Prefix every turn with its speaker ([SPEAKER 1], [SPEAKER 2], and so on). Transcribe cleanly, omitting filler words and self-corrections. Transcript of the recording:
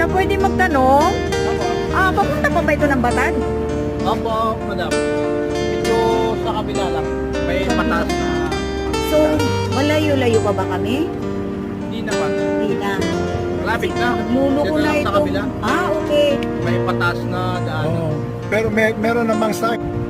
[SPEAKER 1] siya, pwede magtanong?
[SPEAKER 2] Opo.
[SPEAKER 1] Papunta pa ba ito ng Batan?
[SPEAKER 2] Opo, madam. Ito sa kabila lang. May mataas na...
[SPEAKER 1] So, malayo-layo pa ba kami?
[SPEAKER 2] Hindi naman.
[SPEAKER 1] Hindi na.
[SPEAKER 2] Malapit na.
[SPEAKER 1] Nagluluko
[SPEAKER 2] Dito
[SPEAKER 1] na
[SPEAKER 2] lang
[SPEAKER 1] ito.
[SPEAKER 2] sa kabila.
[SPEAKER 1] Okay.
[SPEAKER 2] May pataas na daan.
[SPEAKER 3] Oo. Pero meron namang site.